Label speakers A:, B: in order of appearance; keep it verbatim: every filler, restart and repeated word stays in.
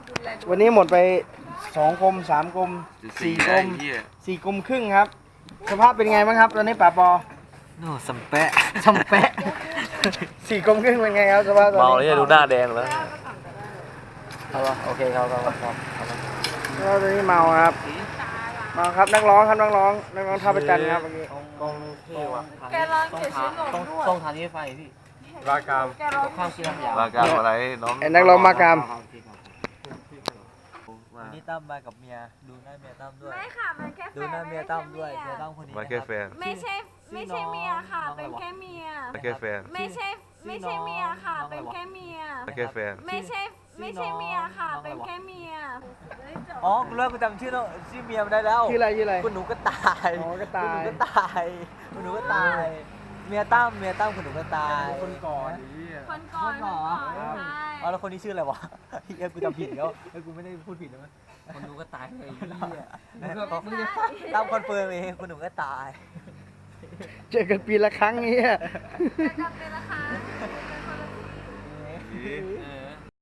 A: วันนี้หมดไปสองกลมสามกลมสี่กลมสี่กลมครึ่งครับสภาพเป็นไงบ้างครับตอนนี้ป่าปอ
B: โน่สัมแปะ
A: สัมแปะสี่กลมครึ่งเป็นไงครับสภาพตอนนี้
B: เมาแล้วดูหน้าแดงแล้ว
A: เอาละโอเคครับครับครับแล้วตอนนี้เมาครับเมาครับนักร้องครับนักร้องนักร้องท่าประจันครับเมื่อกี้
B: กองเท่ว่ะ
C: แกร้องเขียนชื่อหลง
B: ต้อง
C: ด้วย
B: ต้องทานที่ไฟพี่
D: รากาม
C: แกร้อง
B: ข้าวกินน้ำยา
D: รากามอะไรน้อง
A: ไอ้นักร้องมากาม
B: วันนี้ตั้มมากับเมียดูหน้าเมียตั้มด้วย
C: ไม่ค่ะมันแค่แฟ
B: ดู
C: น
B: หน้าเมียตั้มด้วยเมียตั้มคนนี้
D: มาแค่แฟน
C: ไม่ใช่ไม่ใช่เมียค่ะ เป็นแค่เมีย
D: มาแค่แฟน
C: ไม่ใช่ไม่ใช่เมียค่ะ เป็นแค่เมีย
D: มาแค่แฟน
C: ไม่ใช่ไม่ใช่เมียค่ะ เป็นแค่เมีย
B: อ๋อกูเลิกกูจำชื่อน้องชื่อเมียมันได้แล้ว
A: ชื่ออะไรชื่ออะไร
B: คุณหนูก็ตาย
A: อ๋อก็ตาย
B: คุณหนูก็ตายคุณหนูก็ตาย เมียตั้มเมียตั้มคุณหนูก็ตาย
A: คนก่อน
C: คนก่อนคนก่อนใช่
B: อ๋อแล้วคนนี้ชื่ออะไรวะเอ้ยกูจำผิดแล้วเอ้ยกูไม่ได้พูดผิดแล้วมั้ยคนหนูก็ตายเลยมึงก็มึงจะตั้มคอนเฟิร์มเองคุณหนูก็ตาย
A: เจอกันปีละครั้งนี้
C: แต่กลับเป็นราคาเป็นคนละที่
B: เออ